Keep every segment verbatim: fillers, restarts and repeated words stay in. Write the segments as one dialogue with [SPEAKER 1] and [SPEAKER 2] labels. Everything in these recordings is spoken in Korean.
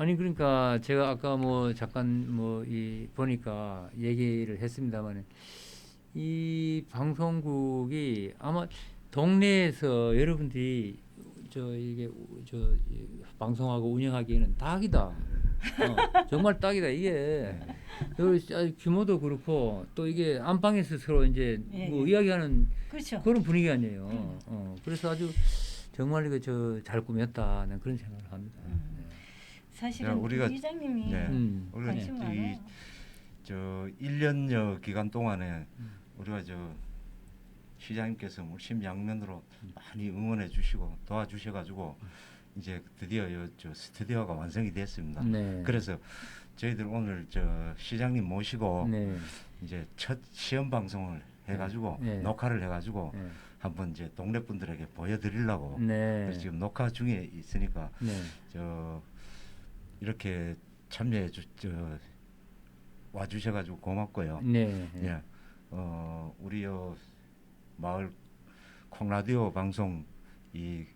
[SPEAKER 1] 아니 그러니까 제가 아까 뭐 잠깐 뭐 이 보니까 얘기를 했습니다만 이 방송국이 아마 동네에서 여러분들이 저 이게 저 방송하고 운영하기에는 딱이다. 어, 정말 딱이다. 이게 여기 규모도 그렇고 또 이게 안방에서 서로 이제
[SPEAKER 2] 예,
[SPEAKER 1] 뭐
[SPEAKER 2] 예.
[SPEAKER 1] 이야기하는
[SPEAKER 2] 그렇죠.
[SPEAKER 1] 그런 분위기 아니에요.
[SPEAKER 2] 음.
[SPEAKER 1] 어, 그래서 아주 정말 이거 저 잘 꾸몄다는 그런 생각을 합니다.
[SPEAKER 2] 음. 사실은
[SPEAKER 3] 야, 우리가-
[SPEAKER 2] 이장님이
[SPEAKER 3] 네.
[SPEAKER 1] 음.
[SPEAKER 3] 우리가
[SPEAKER 2] 관심
[SPEAKER 3] 이-
[SPEAKER 2] 많아요.
[SPEAKER 3] 저 일 년여 기간 동안에
[SPEAKER 1] 음.
[SPEAKER 3] 우리가 저 시장님께서 뭐 심양면으로 많이 응원해 주시고 도와주셔 가지고 이제 드디어 요 저 스튜디오가 완성이 됐습니다.
[SPEAKER 1] 네.
[SPEAKER 3] 그래서 저희들 오늘 저 시장님 모시고
[SPEAKER 1] 네.
[SPEAKER 3] 이제 첫 시험 방송을 해 가지고
[SPEAKER 1] 네.
[SPEAKER 3] 녹화를 해 가지고
[SPEAKER 1] 네.
[SPEAKER 3] 한번 이제 동네 분들에게 보여 드리려고
[SPEAKER 1] 네.
[SPEAKER 3] 그래서 지금 녹화 중에 있으니까
[SPEAKER 1] 네.
[SPEAKER 3] 저 이렇게 참여해 주저 와 주셔 가지고 고맙고요.
[SPEAKER 1] 네.
[SPEAKER 3] 예. 어, 우리 요 마을 콩라디오 방송 이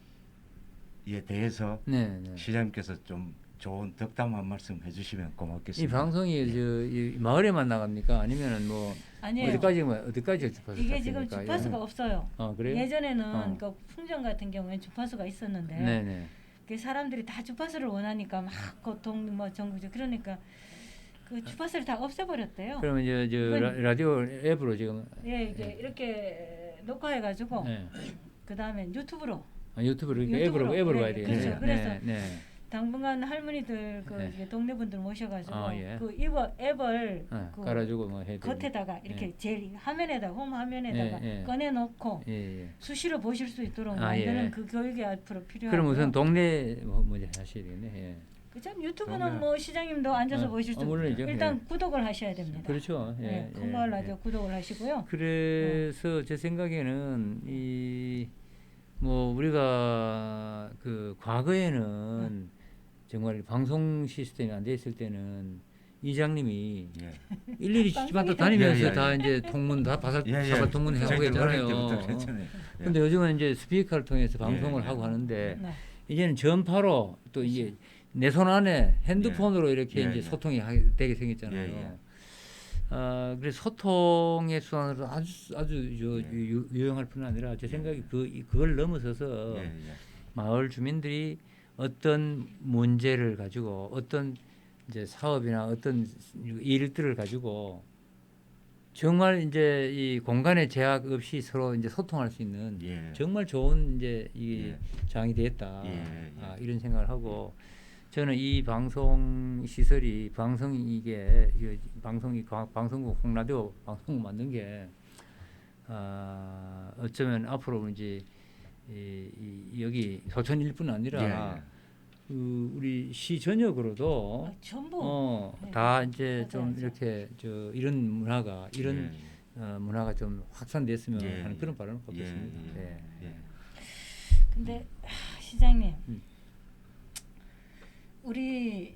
[SPEAKER 3] 이에 대해서
[SPEAKER 1] 네. 네.
[SPEAKER 3] 시장님께서 좀 좋은 덕담 한 말씀 해주시면
[SPEAKER 1] 이
[SPEAKER 3] 고맙겠습니다.
[SPEAKER 1] 방송이 저 이 마을에만 나갑니까? 아니면은 뭐
[SPEAKER 2] 아니에요.
[SPEAKER 1] 어디까지 뭐 어디까지 주파수
[SPEAKER 2] 이게 지금
[SPEAKER 1] 잡힙니까?
[SPEAKER 2] 주파수가
[SPEAKER 1] 예.
[SPEAKER 2] 없어요.
[SPEAKER 1] 아 그래요?
[SPEAKER 2] 예전에는
[SPEAKER 1] 어.
[SPEAKER 2] 그 풍전 같은 경우에 주파수가 있었는데
[SPEAKER 1] 네네.
[SPEAKER 2] 그 사람들이 다 주파수를 원하니까 막 고통 뭐 전국적 그러니까 그 주파수를 다 없애버렸대요.
[SPEAKER 1] 그러면 이제 저
[SPEAKER 2] 이건-
[SPEAKER 1] 라, 라디오 앱으로 지금
[SPEAKER 2] 예, 이게 이렇게 녹화해가지고
[SPEAKER 1] 네.
[SPEAKER 2] 그 다음에 유튜브로
[SPEAKER 1] 아, 유튜브로 이렇게
[SPEAKER 2] 유튜브로,
[SPEAKER 1] 앱으로 앱으로
[SPEAKER 2] 네,
[SPEAKER 1] 가야 되겠네.
[SPEAKER 2] 그렇죠. 그래서
[SPEAKER 1] 네. 네.
[SPEAKER 2] 당분간 할머니들 그
[SPEAKER 1] 네.
[SPEAKER 2] 이제 동네 분들 모셔가지고
[SPEAKER 1] 아, 예.
[SPEAKER 2] 그 이버 앱을
[SPEAKER 1] 어,
[SPEAKER 2] 그
[SPEAKER 1] 깔아주고 뭐 해야 되고.
[SPEAKER 2] 겉에다가 이렇게
[SPEAKER 1] 예.
[SPEAKER 2] 제일 화면에다가 홈 화면에다가
[SPEAKER 1] 예, 예.
[SPEAKER 2] 꺼내놓고
[SPEAKER 1] 예, 예.
[SPEAKER 2] 수시로 보실 수 있도록
[SPEAKER 1] 아,
[SPEAKER 2] 만드는
[SPEAKER 1] 예.
[SPEAKER 2] 그 교육이 앞으로 필요하고요.
[SPEAKER 1] 그럼 우선 동네 뭐 먼저 하셔야 되겠네. 예.
[SPEAKER 2] 그참 유튜브는
[SPEAKER 3] 동네-
[SPEAKER 2] 뭐 시장님도 앉아서
[SPEAKER 1] 어,
[SPEAKER 2] 보실 수
[SPEAKER 1] 어, 물론이죠.
[SPEAKER 2] 일단
[SPEAKER 1] 예.
[SPEAKER 2] 구독을 하셔야 됩니다.
[SPEAKER 1] 그렇죠. 예.
[SPEAKER 2] 네,
[SPEAKER 1] 예,
[SPEAKER 2] 큰마을
[SPEAKER 1] 예.
[SPEAKER 2] 라디오 구독을 하시고요.
[SPEAKER 1] 그래서 제 생각에는 이 뭐 우리가 그 과거에는 정말 방송 시스템이 안 돼 있을 때는 이장님이
[SPEAKER 3] 예.
[SPEAKER 1] 일일이 집집마다 다니면서
[SPEAKER 3] 예, 예,
[SPEAKER 1] 다
[SPEAKER 3] 예.
[SPEAKER 1] 이제 통문 다 바삭
[SPEAKER 3] 예, 예.
[SPEAKER 1] 사바 통문 하고
[SPEAKER 3] 저희들 어릴
[SPEAKER 1] 했잖아요.
[SPEAKER 3] 때부터 괜찮아요. 예.
[SPEAKER 1] 근데 요즘은 이제 스피커를 통해서 방송을
[SPEAKER 3] 예, 예.
[SPEAKER 1] 하고 하는데
[SPEAKER 2] 네.
[SPEAKER 1] 이제는 전파로 또 이게 내 손 안에 핸드폰으로 이렇게
[SPEAKER 3] 예,
[SPEAKER 1] 이제
[SPEAKER 3] 예.
[SPEAKER 1] 소통이 하게 되게 생겼잖아요.
[SPEAKER 3] 예, 예.
[SPEAKER 1] 아, 그래서 소통의 수단으로 아주 아주 저
[SPEAKER 3] 예.
[SPEAKER 1] 유, 유용할 뿐 아니라 제 생각이 그 이- 그걸 넘어서서
[SPEAKER 3] 예, 예.
[SPEAKER 1] 마을 주민들이 어떤 문제를 가지고 어떤 이제 사업이나 어떤 일들을 가지고 정말 이제 이 공간의 제약 없이 서로 이제 소통할 수 있는
[SPEAKER 3] 예.
[SPEAKER 1] 정말 좋은 이제 이
[SPEAKER 3] 예.
[SPEAKER 1] 장이 되었다.
[SPEAKER 3] 예, 예.
[SPEAKER 1] 아, 이런 생각을 하고 저는 이 방송 시설이 방송 이게 이 방송이 과- 방송국 홍라디오 방송국 만든 게 아, 어쩌면 앞으로 이제 이, 이, 여기 소천일뿐 아니라
[SPEAKER 3] 예, 예.
[SPEAKER 1] 그 우리 시 전역으로도
[SPEAKER 2] 아, 전부
[SPEAKER 1] 어,
[SPEAKER 2] 네.
[SPEAKER 1] 다 이제 좀
[SPEAKER 2] 맞아요.
[SPEAKER 1] 이렇게 저 이런 문화가 이런
[SPEAKER 3] 예,
[SPEAKER 1] 어, 문화가 좀 확산됐으면
[SPEAKER 3] 예,
[SPEAKER 1] 하는
[SPEAKER 3] 예.
[SPEAKER 1] 그런 바람을
[SPEAKER 3] 예,
[SPEAKER 1] 갖겠습니다.
[SPEAKER 3] 예,
[SPEAKER 1] 예.
[SPEAKER 3] 예.
[SPEAKER 2] 근데 하, 시장님
[SPEAKER 1] 음.
[SPEAKER 2] 우리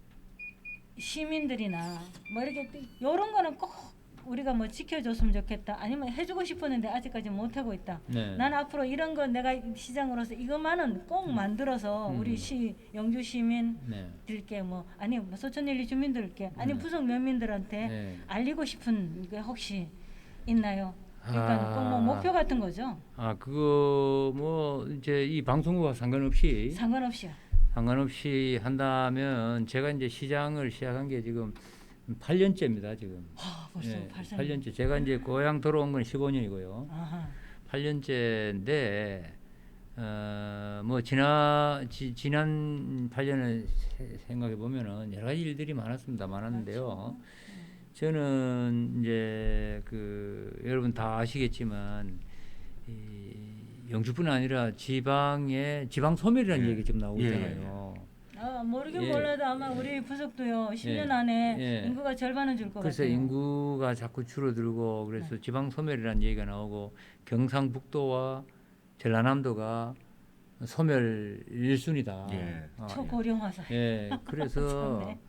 [SPEAKER 2] 시민들이나 뭐 이렇게 이런 거는 꼭 우리가 뭐 지켜줬으면 좋겠다 아니면 해주고 싶었는데 아직까지 못하고 있다.
[SPEAKER 1] 네.
[SPEAKER 2] 난 앞으로 이런 거 내가 시장으로서 이것만은 꼭 만들어서
[SPEAKER 1] 음.
[SPEAKER 2] 우리 시 영주 시민
[SPEAKER 1] 네.
[SPEAKER 2] 들께 뭐 아니 뭐 소천일리 주민들께 아니
[SPEAKER 1] 네.
[SPEAKER 2] 부속 면민들한테
[SPEAKER 1] 네.
[SPEAKER 2] 알리고 싶은 게 혹시 있나요? 그러니까
[SPEAKER 1] 아.
[SPEAKER 2] 꼭 뭐 목표 같은 거죠.
[SPEAKER 1] 아 그거 뭐 이제 이 방송국과 상관없이
[SPEAKER 2] 상관없이요.
[SPEAKER 1] 상관없이 한다면 제가 이제 시장을 시작한 게 지금 팔 년째입니다 지금.
[SPEAKER 2] 아, 벌써
[SPEAKER 1] 예,
[SPEAKER 2] 발사.
[SPEAKER 1] 팔 년째. 제가 이제 고향 돌아온 건 십오 년이고요.
[SPEAKER 2] 아하.
[SPEAKER 1] 팔 년째인데 어, 뭐 지나 지, 지난 팔 년을 생각해 보면은 여러 가지 일들이 많았습니다. 많았는데요. 저는 이제 그 여러분 다 아시겠지만 이 영주뿐 아니라 지방에 지방 소멸이라는
[SPEAKER 3] 예.
[SPEAKER 1] 얘기 좀 나오고
[SPEAKER 3] 예,
[SPEAKER 1] 있잖아요.
[SPEAKER 2] 아, 모르긴
[SPEAKER 1] 예.
[SPEAKER 2] 몰라도 아마 우리 부석도요. 십 년
[SPEAKER 1] 예.
[SPEAKER 2] 안에
[SPEAKER 1] 예.
[SPEAKER 2] 인구가 절반은 줄 것
[SPEAKER 1] 그래서
[SPEAKER 2] 같아요.
[SPEAKER 1] 인구가 자꾸 줄어들고 그래서
[SPEAKER 2] 네.
[SPEAKER 1] 지방 소멸이라는 얘기가 나오고 경상북도와 전라남도가 소멸 일 순위다.
[SPEAKER 3] 예.
[SPEAKER 1] 아,
[SPEAKER 2] 초고령화사.
[SPEAKER 1] 예, 그래서
[SPEAKER 2] 참네.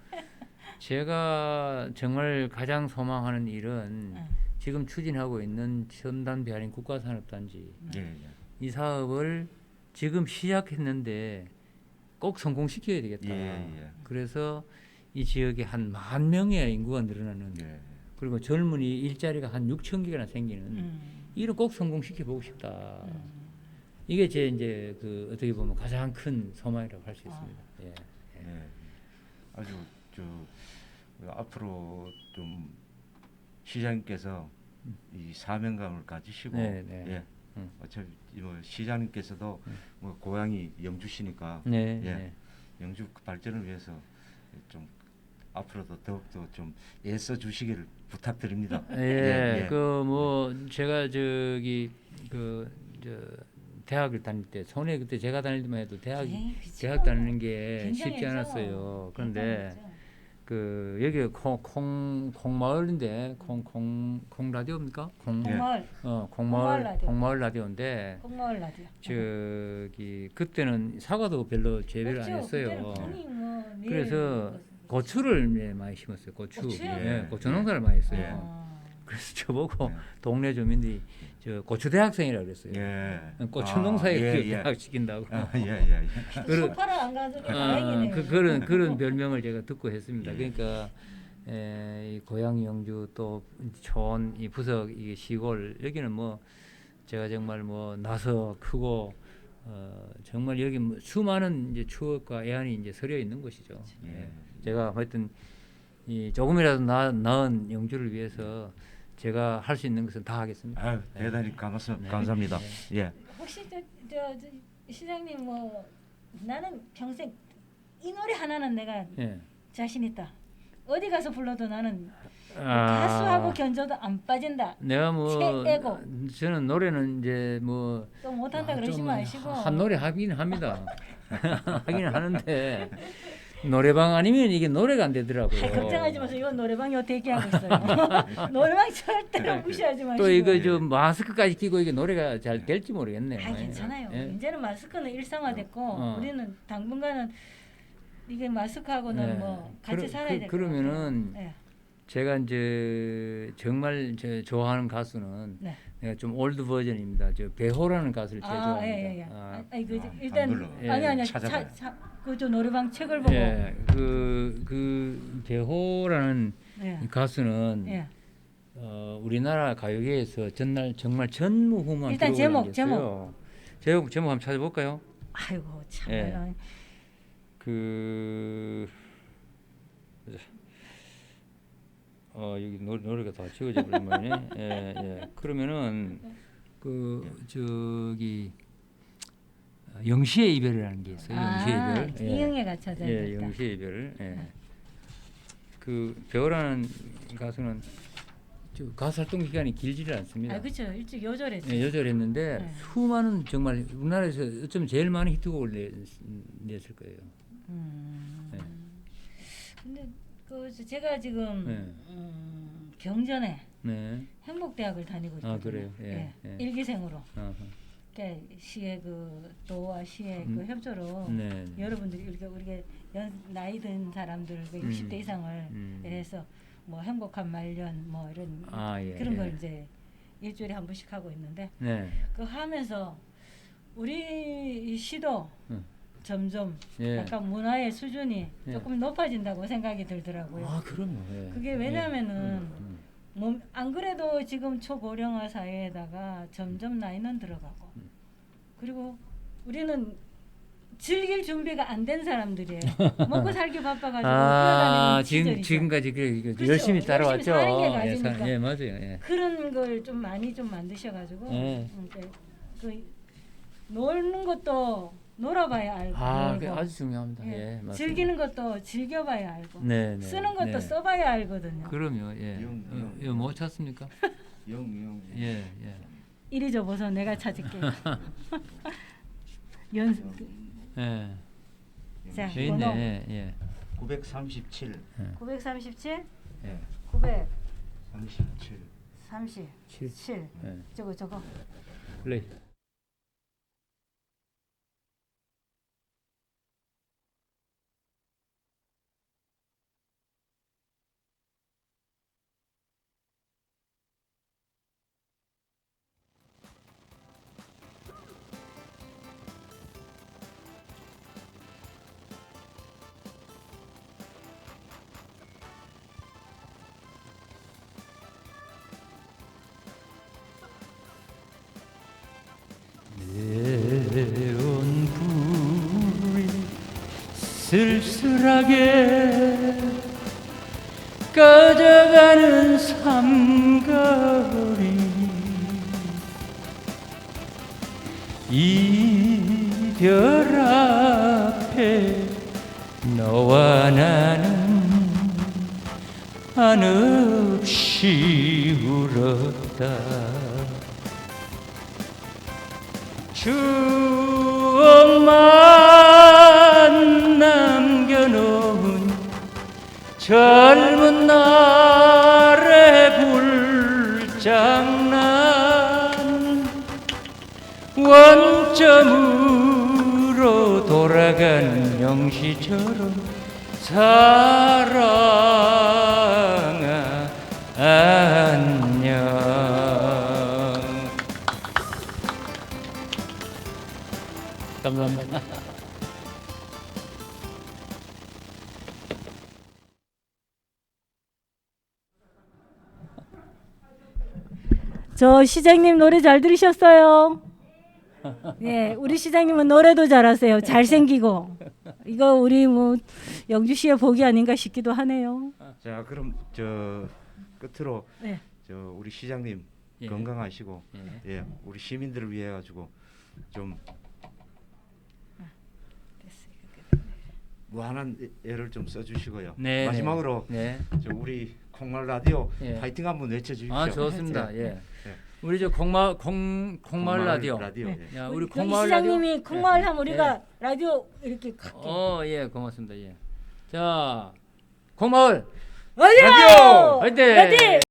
[SPEAKER 1] 제가 정말 가장 소망하는 일은
[SPEAKER 2] 네.
[SPEAKER 1] 지금 추진하고 있는 첨단 배아린 국가산업단지
[SPEAKER 3] 예, 예.
[SPEAKER 1] 이 사업을 지금 시작했는데 꼭 성공시켜야 되겠다.
[SPEAKER 3] 예, 예.
[SPEAKER 1] 그래서 이 지역에 한 만 명의 인구가 늘어나는
[SPEAKER 3] 예.
[SPEAKER 1] 그리고 젊은이 일자리가 한 육천 개나 생기는
[SPEAKER 2] 음.
[SPEAKER 1] 이를 꼭 성공시켜 보고 싶다.
[SPEAKER 2] 음.
[SPEAKER 1] 이게 제 이제 그 어떻게 보면 가장 큰 소망이라고 할 수
[SPEAKER 2] 아.
[SPEAKER 1] 있습니다. 예.
[SPEAKER 3] 예. 아주 저 앞으로 좀 시장님께서 이 사명감을 가지시고
[SPEAKER 1] 네, 네.
[SPEAKER 3] 예.
[SPEAKER 1] 음.
[SPEAKER 3] 어차피 뭐 시장님께서도 뭐 고향이 영주시니까
[SPEAKER 1] 네.
[SPEAKER 3] 예.
[SPEAKER 1] 네.
[SPEAKER 3] 영주 발전을 위해서 좀 앞으로도 더욱더 좀 애써 주시기를 부탁드립니다.
[SPEAKER 1] 예, 그 뭐 제가 저기 그 저 대학을 다닐 때 손에 그때 제가 다닐 때만 해도 대학
[SPEAKER 2] 에이, 그쵸.
[SPEAKER 1] 대학 다니는 게 쉽지
[SPEAKER 2] 굉장했죠.
[SPEAKER 1] 않았어요. 그런데
[SPEAKER 2] 굉장했죠.
[SPEAKER 1] 그 여기 콩콩 콩마을인데 콩콩 콩 라디오입니까? 콩
[SPEAKER 3] 예.
[SPEAKER 2] 콩마을,
[SPEAKER 1] 어
[SPEAKER 2] 콩마을
[SPEAKER 1] 콩마을
[SPEAKER 2] 라디오.
[SPEAKER 1] 콩마을 라디오인데
[SPEAKER 2] 콩마을 라디오.
[SPEAKER 1] 저기 그때는 사과도 별로 재배를 안
[SPEAKER 2] 없죠.
[SPEAKER 1] 했어요.
[SPEAKER 2] 그때는 콩이 뭐 매일
[SPEAKER 1] 그래서
[SPEAKER 2] 먹었어요.
[SPEAKER 1] 고추를 예, 많이 심었어요. 고추.
[SPEAKER 2] 고추요?
[SPEAKER 1] 예,
[SPEAKER 3] 예.
[SPEAKER 1] 고추 농사를 많이 했어요.
[SPEAKER 2] 아.
[SPEAKER 1] 그래서 저보고
[SPEAKER 3] 예.
[SPEAKER 1] 동네 주민들이 저 고추 대학생이라고 그랬어요.
[SPEAKER 3] 예.
[SPEAKER 1] 고추
[SPEAKER 3] 아,
[SPEAKER 1] 농사에
[SPEAKER 3] 예,
[SPEAKER 1] 그
[SPEAKER 3] 예.
[SPEAKER 1] 대학 시킨다고.
[SPEAKER 3] 아, 예, 예, 예.
[SPEAKER 1] 그런-
[SPEAKER 2] 소파를 안 가서
[SPEAKER 1] 아,
[SPEAKER 2] 다행이네요.
[SPEAKER 1] 그, 그런 그런 별명을 제가 듣고 했습니다.
[SPEAKER 3] 예.
[SPEAKER 1] 그러니까 에, 이 고향 영주 또 촌 이 부석 이 시골 여기는 뭐 제가 정말 뭐 나서 크고 어, 정말 여기 뭐 수많은 이제 추억과 애환이 이제 서려 있는 곳이죠. 예.
[SPEAKER 3] 예.
[SPEAKER 1] 제가 하여튼 이 조금이라도 나, 나은 영주를 위해서 제가 할 수 있는 것은 다 하겠습니다.
[SPEAKER 3] 아유, 대단히 감사,
[SPEAKER 1] 네.
[SPEAKER 3] 감사합니다.
[SPEAKER 1] 네.
[SPEAKER 3] 예.
[SPEAKER 2] 혹시 저, 저, 저 시장님 뭐 나는 평생 이 노래 하나는 내가
[SPEAKER 1] 예.
[SPEAKER 2] 자신 있다. 어디 가서 불러도 나는
[SPEAKER 1] 아,
[SPEAKER 2] 가수하고 견줘도 안 빠진다.
[SPEAKER 1] 내가 뭐
[SPEAKER 2] 최애곡.
[SPEAKER 1] 저는 노래는 이제 뭐
[SPEAKER 2] 또 못한다
[SPEAKER 1] 아,
[SPEAKER 2] 그러지
[SPEAKER 1] 좀
[SPEAKER 2] 마시고.
[SPEAKER 1] 한 노래 하긴 합니다. 하긴 하는데 노래방 아니면 이게 노래가 안 되더라고요.
[SPEAKER 2] 아이, 걱정하지 마세요. 이건 노래방 요 대기하고 있어요. 노래방 절대로 무시하지 마시고.
[SPEAKER 1] 또 이거 좀 마스크까지 끼고 이게 노래가 잘 될지 모르겠네요.
[SPEAKER 2] 아 괜찮아요.
[SPEAKER 1] 예.
[SPEAKER 2] 이제는 마스크는 일상화됐고
[SPEAKER 1] 어.
[SPEAKER 2] 우리는 당분간은 이게 마스크하고는
[SPEAKER 1] 예.
[SPEAKER 2] 뭐 같이
[SPEAKER 1] 그러-
[SPEAKER 2] 살아야
[SPEAKER 1] 그-
[SPEAKER 2] 될 것
[SPEAKER 1] 그러면은
[SPEAKER 2] 같아요. 예.
[SPEAKER 1] 제가 이제 정말 저 좋아하는 가수는
[SPEAKER 2] 네.
[SPEAKER 1] 내가 좀 올드 버전입니다. 저 배호라는 가수를 제일
[SPEAKER 2] 아,
[SPEAKER 1] 좋아합니다.
[SPEAKER 2] 예, 예, 예.
[SPEAKER 1] 아,
[SPEAKER 2] 아, 아니 그
[SPEAKER 3] 아,
[SPEAKER 2] 일단
[SPEAKER 3] 안 불러.
[SPEAKER 1] 예.
[SPEAKER 2] 아니 아니
[SPEAKER 3] 찾아봐요.
[SPEAKER 2] 그저 노래방 책을 보고
[SPEAKER 1] 예, 그, 그 배호라는
[SPEAKER 2] 예.
[SPEAKER 1] 이 가수는
[SPEAKER 2] 예.
[SPEAKER 1] 어, 우리나라 가요계에서 전날 정말 전무후무한
[SPEAKER 2] 일단
[SPEAKER 1] 기록을
[SPEAKER 2] 제목,
[SPEAKER 1] 남겼어요. 제목 제목 한번 찾아볼까요?
[SPEAKER 2] 아이고 참.
[SPEAKER 1] 예.
[SPEAKER 2] 예.
[SPEAKER 1] 그 보자. 어 여기 노래, 노래가 다 지워져 버린 모양이네. 예, 예. 그러면은 그 저기 어, 영시의 이별이라는 게 있어요. 영시의
[SPEAKER 2] 아,
[SPEAKER 1] 이별.
[SPEAKER 2] 이응애가 찾아야
[SPEAKER 1] 예,
[SPEAKER 2] 겠다.
[SPEAKER 1] 영시의 이별. 예. 그 배우라는 가수는 저 가수 활동 기간이 길지를 않습니다.
[SPEAKER 2] 아 그렇죠. 일찍 요절했죠.
[SPEAKER 1] 예, 여절했는데
[SPEAKER 2] 네.
[SPEAKER 1] 수많은 정말 우리나라에서 어쩌면 제일 많은 히트곡을 내, 냈을 거예요.
[SPEAKER 2] 음.
[SPEAKER 1] 네.
[SPEAKER 2] 근데 그 제가 지금
[SPEAKER 1] 네.
[SPEAKER 2] 음, 경전에
[SPEAKER 1] 네.
[SPEAKER 2] 행복대학을 다니고 있거든요.
[SPEAKER 1] 아, 그래요? 예, 예.
[SPEAKER 2] 일기생으로.
[SPEAKER 1] 어허.
[SPEAKER 2] 그러니까 시의 그 도와 시의
[SPEAKER 1] 음.
[SPEAKER 2] 그 협조로
[SPEAKER 1] 네.
[SPEAKER 2] 여러분들이 우리가 우리가 연, 나이 든 사람들 그 육십 대
[SPEAKER 1] 음.
[SPEAKER 2] 이상을
[SPEAKER 1] 음.
[SPEAKER 2] 해서 뭐 행복한 말년 뭐 이런
[SPEAKER 1] 아, 예,
[SPEAKER 2] 그런
[SPEAKER 1] 예.
[SPEAKER 2] 걸 이제 일주일에 한 번씩 하고 있는데
[SPEAKER 1] 네.
[SPEAKER 2] 그 하면서 우리 이 시도
[SPEAKER 1] 음.
[SPEAKER 2] 점점
[SPEAKER 1] 예.
[SPEAKER 2] 약간 문화의 수준이
[SPEAKER 1] 예.
[SPEAKER 2] 조금 높아진다고 생각이 들더라고요.
[SPEAKER 1] 아, 그럼요. 예.
[SPEAKER 2] 그게 왜냐면은
[SPEAKER 1] 예. 음,
[SPEAKER 2] 뭐, 안 그래도 지금 초고령화 사회에다가 점점 나이는 들어가고
[SPEAKER 1] 음.
[SPEAKER 2] 그리고 우리는 즐길 준비가 안 된 사람들이에요. 먹고 살기 바빠가지고
[SPEAKER 1] 아,
[SPEAKER 2] 뛰어다니는
[SPEAKER 1] 지금
[SPEAKER 2] 시절이죠.
[SPEAKER 1] 지금까지 그, 그
[SPEAKER 2] 그렇죠.
[SPEAKER 1] 열심히 따라왔죠.
[SPEAKER 2] 열심히 사는 게
[SPEAKER 1] 예,
[SPEAKER 2] 가지니까.
[SPEAKER 1] 사- 예, 맞아요. 예.
[SPEAKER 2] 그런 걸 좀 많이 좀 만드셔가지고
[SPEAKER 1] 네.
[SPEAKER 2] 음, 그, 그 노는 것도 놀아봐야 알고
[SPEAKER 1] 아,
[SPEAKER 2] 놀고,
[SPEAKER 1] 그 아주 중요합니다.
[SPEAKER 2] 예,
[SPEAKER 1] 예, 맞습니다.
[SPEAKER 2] 즐기는 것도 즐겨봐야 알고
[SPEAKER 1] 네, 네.
[SPEAKER 2] 쓰는 것도
[SPEAKER 1] 네.
[SPEAKER 2] 써봐야 알거든요.
[SPEAKER 1] 그럼요. 예.
[SPEAKER 3] 영,
[SPEAKER 1] 어,
[SPEAKER 3] 영.
[SPEAKER 1] 이거 못 찾습니까?
[SPEAKER 3] 영, 영.
[SPEAKER 1] 예, 예.
[SPEAKER 2] 이리 줘보서 내가 찾을게. 연
[SPEAKER 1] 예.
[SPEAKER 2] 자,
[SPEAKER 1] 여기
[SPEAKER 2] 번호
[SPEAKER 1] 있네. 예.
[SPEAKER 3] 구백삼십칠.
[SPEAKER 2] 구백삼십칠,
[SPEAKER 1] 예.
[SPEAKER 3] 삼십칠.
[SPEAKER 2] 구백삼십칠.
[SPEAKER 1] 칠. 예.
[SPEAKER 2] 저거 저거.
[SPEAKER 1] 플레이. 쓸쓸하게 꺼져가는 삼거리 이별 앞에 너와 나는 한없이 울었다. 추억만 남겨놓은 젊은 날의 불장난 원점으로 돌아가는 명시처럼 사랑아 안녕. 감사합니다.
[SPEAKER 2] 저 시장님 노래 잘 들으셨어요? 예, 우리 시장님은 노래도 잘하세요. 잘생기고. 이거 우리 뭐 영주시의 복이 아닌가 싶기도 하네요.
[SPEAKER 3] 자, 그럼 저 끝으로
[SPEAKER 2] 네.
[SPEAKER 3] 저 우리 시장님
[SPEAKER 1] 예.
[SPEAKER 3] 건강하시고
[SPEAKER 1] 예.
[SPEAKER 3] 예, 우리 시민들을 위해 가지고 좀 무한한 애를 좀 써주시고요.
[SPEAKER 1] 네,
[SPEAKER 3] 마지막으로
[SPEAKER 1] 네.
[SPEAKER 3] 저 우리 콩말 라디오
[SPEAKER 1] 예.
[SPEAKER 3] 파이팅 한번 외쳐주십시오.
[SPEAKER 1] 아 좋습니다. 예.
[SPEAKER 3] 예.
[SPEAKER 1] 우리 저 콩마 콩 콩마을 라디오.
[SPEAKER 3] 라디오.
[SPEAKER 2] 네.
[SPEAKER 3] 예.
[SPEAKER 1] 야, 우리
[SPEAKER 2] 여기
[SPEAKER 1] 콩마을 라디오.
[SPEAKER 2] 시장님이 콩마을 하면 우리가 라디오 이렇게 갈게.
[SPEAKER 1] 어, 예, 고맙습니다. 예. 자, 콩마을
[SPEAKER 2] 라디오!
[SPEAKER 1] 화이팅!
[SPEAKER 2] 화이팅!